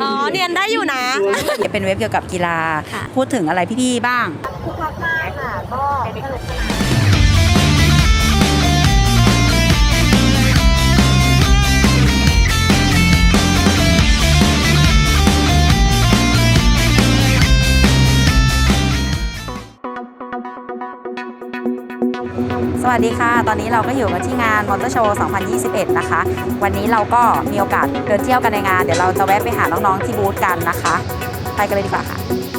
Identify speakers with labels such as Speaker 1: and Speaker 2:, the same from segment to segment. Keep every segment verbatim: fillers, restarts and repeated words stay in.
Speaker 1: อ๋อเรียนได้อยู่นะ
Speaker 2: เป็นเว็บเกี่ยวกับกีฬาพูดถึงอะไรพี่ๆบ้าง
Speaker 3: คึกคักมากค่ะก็สนุกสนาน
Speaker 2: สวัสดีค่ะตอนนี้เราก็อยู่กันที่งานมอเตอร์โชว์ สองพันยี่สิบเอ็ด นะคะวันนี้เราก็มีโอกาสเดินเที่ยวกันในงานเดี๋ยวเราจะแวะไปหาน้องๆที่บูธกันนะคะไปกันเลยดีกว่าค่ะ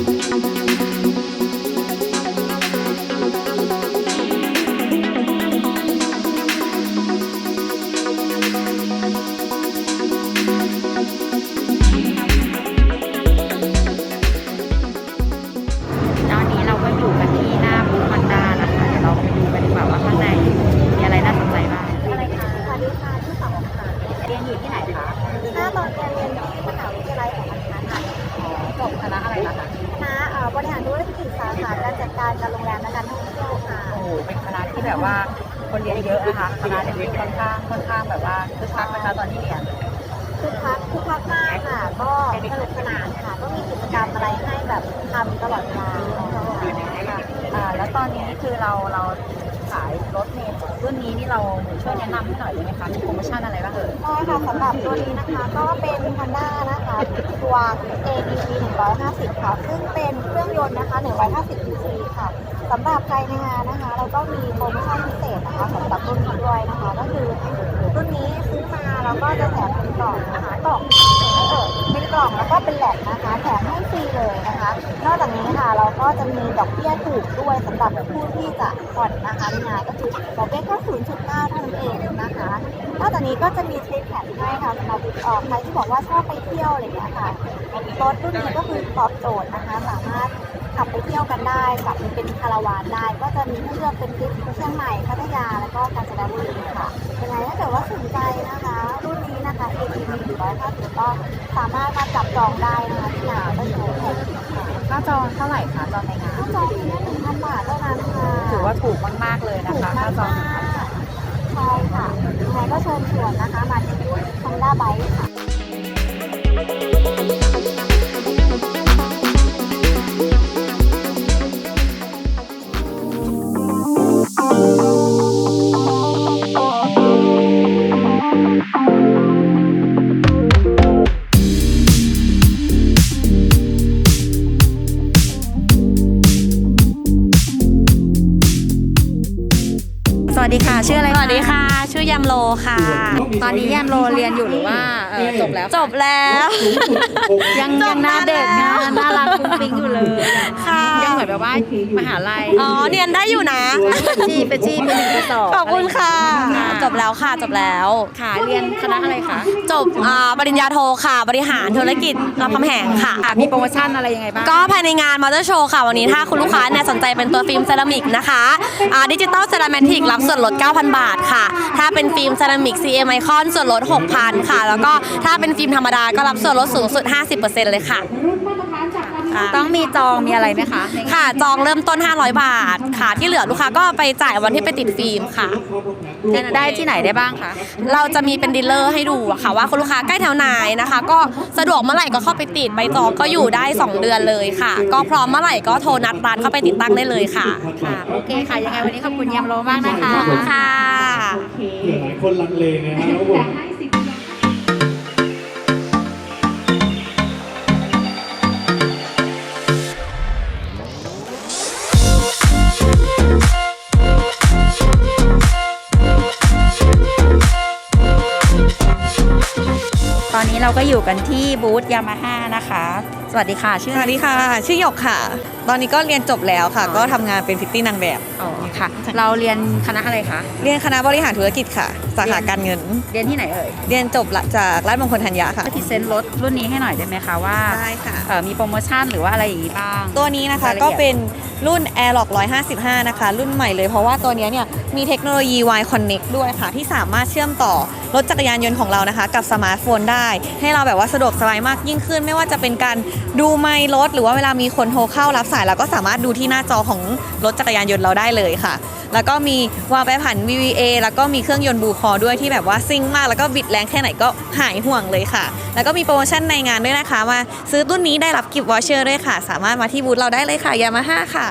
Speaker 2: ตอนนี้เราก็อยู่กันที่หน้าบูธฮอนด้านะคะเดี๋ยวเราไปดูกันดีกว่าว่าข้างในมีอะไรน่าสนใจบ้าง
Speaker 3: อะไรคะสวัสดีค่ะที่สองค่ะ
Speaker 2: เรียนอยู่ที่ไหนคะ
Speaker 3: หน้าตอนเรียนเรียนที่มหาวิทยาลัยของคณะค่ะ
Speaker 2: จบคณะอะไรคะ
Speaker 3: คณะบริหารธุรกิจสาขาการจัดการการโรงแรมและการท่องเที่ยวค่ะ
Speaker 2: โอ้โหเป็นคณะที่แบบว่าคนเรียนเยอะนะคะคณะเรียนค่อนข้างค่อนข้างแบบว่าคึกคักนะคะตอนที่เรียน
Speaker 3: คึกคักคึกคักมากค่ะก็สนุกสนานค่ะก็มีกิจกรรมอะไรให้แบบทำตลอดเวลา
Speaker 2: อ่าแล้วตอนนี้คือเราเราขายรถเมล์รุ่นนี้นี่เราช่วยแนะนำให้หน่อยได้ไหมคะมีโปรโมชั่นอะไรบ้างเอ่ย
Speaker 3: ได้ค่ะสำหรับตัวนี้นะคะก็เป็น Honda นะคะตัว เอ ดี วี หนึ่งร้อยห้าสิบค่ะซึ่งเป็นเครื่องยนต์นะคะหนึ่งร้อยห้าสิบซีซีค่ะสำหรับใครในงานนะคะเราก็มีโปรโมชั่นพิเศษนะคะสำหรับรุ่นนี้ด้วยนะคะก็คือรุ่นนี้ซื้อมาเราก็จะแถมเป็นกล่องนะคะกล่องเออเป็นกล่องแล้วก็เป็นแหลกนะคะแถมให้ฟรีเลยนะคะนอกจากนี้ค่ะเราก็จะมีดอกเบี้ยถูกด้วยสำหรับผู้ที่จะผ่อนนะคะในงานก็คือดอกเบี้ยแค่ ศูนย์จุดเก้า เท่านั้นเองนะคะนอกจากนี้ก็จะมีทริปแถมให้ค่ะสำหรับใครที่บอกว่าชอบไปเที่ยวอะไรอย่างเงี้ยค่ะรถรุ่นนี้ก็คือตอบโจทย์นะคะสามารถขับไปเที่ยวกันได้ขับเป็นคาราวานได้ก็จะมีให้เลือกเป็นทริปเชียงใหม่พัทยาแล้วก็กาญจนบุรีค่ะยังไงถ้าเกิดว่าสนใจนะคะรุ่นนี้นะคะ เอ ที วี หนึ่งร้อยห้าสิบก็สามารถมาจับจองได้นะคะที่งานก็โชว์แท็ก
Speaker 2: ค่าจองเท่าไหร่คะจองในงาน
Speaker 3: ค่าจองเพียงแค่หนึ่งพันบาทเท่านั้นค่ะ
Speaker 2: ถือว่าถูกมากๆเลยนะคะค่าจอง
Speaker 3: ใช่ค่ะยังไงก็เชิญชวนนะคะมาที่บูธ Honda Bike ค่ะ
Speaker 2: สวัสดีค่ะชื่ออะไร
Speaker 1: สวัสดีค่ะชื่อยำโลค่ะ
Speaker 2: ตอนนี้ยำโลเรียนอยู่หรือว่าจบแล้ว
Speaker 1: จบแล้ว
Speaker 2: ยังยังหน้าเด็กนะน่ารักฟุ้งฟิ้งอยู่เลย
Speaker 1: ค่ะ
Speaker 2: ยังเหมือนแบบว่ามหาลัย
Speaker 1: อ๋อเรียนได้อยู่นะ
Speaker 2: จีไปจีไปหนึ่งไปสอง
Speaker 1: ขอบคุณค่ะจบแล้วค่ะจบแล้ว
Speaker 2: ค่ะเรียนคณะอะไรคะ
Speaker 1: จบปริญญาโทค่ะบริหารธุรกิจรามคำแหงค่ะ
Speaker 2: มีโปรโมชั่นอะไรยังไงบ้าง
Speaker 1: ก็ภายในงานมอเตอร์โชว์ค่ะวันนี้ถ้าคุณลูกค้าเนี่ยสนใจเป็นตัวฟิล์มเซรามิกนะคะดิจิตอลเซรามิกรับส่วนลด เก้าพัน บาทค่ะถ้าเป็นฟิล์มเซรามิก ซี เอ็ม ไอคอนส่วนลด หกพัน ค่ะแล้วก็ถ้าเป็นฟิล์มธรรมดาก็รับส่วนลดสูงสุด ห้าสิบเปอร์เซ็นต์ เลยค่ะ
Speaker 2: ต้องมีจองมีอะไรไหมคะ
Speaker 1: ค่ะจองเริ่มต้นห้าร้อยบาทค่ะที่เหลือลูกค้าก็ไปจ่ายวันที่ไปติดฟิล์มค่ะ
Speaker 2: ได้ที่ไหนได้บ้างคะ
Speaker 1: เราจะมีเป็นดีลเลอร์ให้ดูค่ะว่าคุณลูกค้าใกล้แถวไหนนะคะก็สะดวกเมื่อไหร่ก็เข้าไปติดใบจองก็อยู่ได้สองเดือนเลยค่ะก็พร้อมเมื่อไหร่ก็โทรนัดร้านเข้าไปติดตั้งได้เลยค่ะ
Speaker 2: ค่ะโอเคค่ะยังไงวันนี้ขอบคุณยำโลมากนะคะ
Speaker 1: ขอบคุณค่ะ
Speaker 4: หลายคนลังเลนะฮะแล้วผม
Speaker 2: ตอนนี้เราก็อยู่กันที่บูธยามาฮ่านะคะสวัสดีค่ะชื่อ
Speaker 5: สวัสดีค่ะชื่อหยกค่ะตอนนี้ก็เรียนจบแล้วค่ะก็ทำงานเป็นพิตตี้นางแบบ
Speaker 2: อ๋อค่ะเราเรียนคณะอะไรคะ
Speaker 5: เรียนคณะบริหารธุรกิจค่ะสาขาการเงิน
Speaker 2: เรียนที่ไหนเอ่ย
Speaker 5: เรียนจบจากราชมงคลธัญญาค่ะ
Speaker 2: พรีเซนต์รถรุ่นนี้ให้หน่อยได้ไหมคะว่า
Speaker 5: ได้ค่ะ
Speaker 2: มีโปรโมชั่นหรือว่าอะไรอย่างนี้บ้าง
Speaker 5: ตัวนี้นะคะก็เป็นรุ่น Airlock หนึ่งร้อยห้าสิบห้านะคะรุ่นใหม่เลยเพราะว่าตัวนี้เนี่ยมีเทคโนโลยี Y Connect ด้วยค่ะที่สามารถเชื่อมต่อรถจักรยานยนต์ของเรานะคะกับสมาร์ทโฟนได้ให้เราแบบว่าสะดวกสบายมากยิ่งขึ้นไม่ว่าจะเป็นการดูไมล์รถหรือว่าเวลามีคนโทรเข้ารับสายเราก็สามารถดูที่หน้าจอของรถจักรยานยนต์เราได้เลยค่ะแล้วก็มีวาล์วแปรผัน วี วี เอ แล้วก็มีเครื่องยนต์บูคอด้วยที่แบบว่าซิ่งมากแล้วก็บิดแรงแค่ไหนก็หายห่วงเลยค่ะแล้วก็มีโปรโมชั่นในงานด้วยนะคะมาซื้อรุ่นนี้ได้รับกิฟต์วอเชอร์ด้วยค่ะสามารถมาที่บูธเราได้เลยค่ะยามาฮ่าค่ะ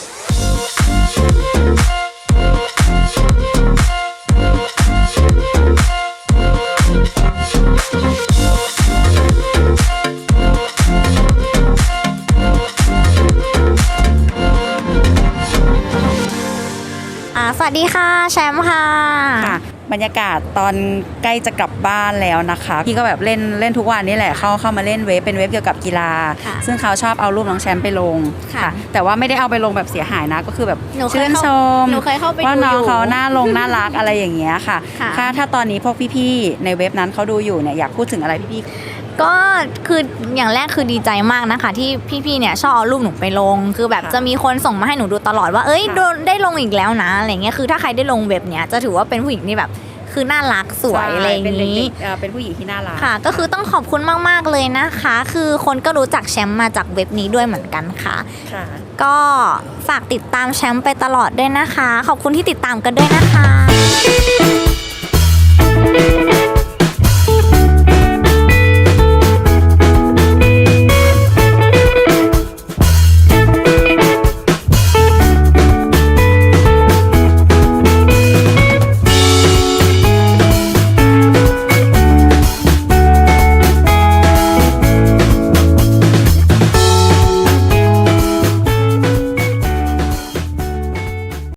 Speaker 6: สวัสดีค่ะแชมป์ค่ะ
Speaker 2: ค่ะบรรยากาศตอนใกล้จะกลับบ้านแล้วนะคะพี่ก็แบบเล่นเล่นทุกวันนี่แหละเข้าเข้ามาเล่นเว็บเป็นเว็บเกี่ยวกับกีฬา
Speaker 6: ค่ะ
Speaker 2: ซึ่งเขาชอบเอารูปน้องแชมป์ไปลง
Speaker 6: ค่ะ
Speaker 2: แต่ว่าไม่ได้เอาไปลงแบบเสียหายนะก็คือแบบ
Speaker 6: หนูเคย
Speaker 2: ชื่น
Speaker 6: เข้า
Speaker 2: ชม
Speaker 6: หนูเคยเข้าไป
Speaker 2: ว่า
Speaker 6: ดู
Speaker 2: น้อง
Speaker 6: อยู่
Speaker 2: เขาน่าลงน่ารักอะไรอย่างเงี้ยค่ะ
Speaker 6: ค่ะ
Speaker 2: ถ้าถ้าตอนนี้พวกพี่ๆในเว็บนั้นเขาดูอยู่เนี่ยอยากพูดถึงอะไรพี่ๆ
Speaker 6: ก็คืออย่างแรกคือดีใจมากนะคะ ที่พี่ๆเนี่ยชอบเอารูปหนูไปลง คือแบบ
Speaker 2: ค่ะ
Speaker 6: จะมีคนส่งมาให้หนูดูตลอดว่าเอ้ย
Speaker 2: ค่ะ
Speaker 6: โดนได้ลงอีกแล้วนะอะไรเงี้ยคือถ้าใครได้ลงเว็บเนี้ยจะถือว่าเป็นผู้หญิงที่แบบคือน่ารักสวยอะไรอย่าง
Speaker 2: เป็นเด็
Speaker 6: นี้
Speaker 2: กๆเอ่อเป็นผู้หญิงที่น่ารัก
Speaker 6: ค่ะ ก็คือต้องขอบคุณมากๆเลยนะคะ คือคนก็รู้จักแชมป์มาจากเว็บนี้ด้วยเหมือนกันค่ะ
Speaker 2: ค่ะ
Speaker 6: ก็ฝากติดตามแชมป์ไปตลอดด้วยนะคะ ขอบคุณที่ติดตามกันด้วยนะคะ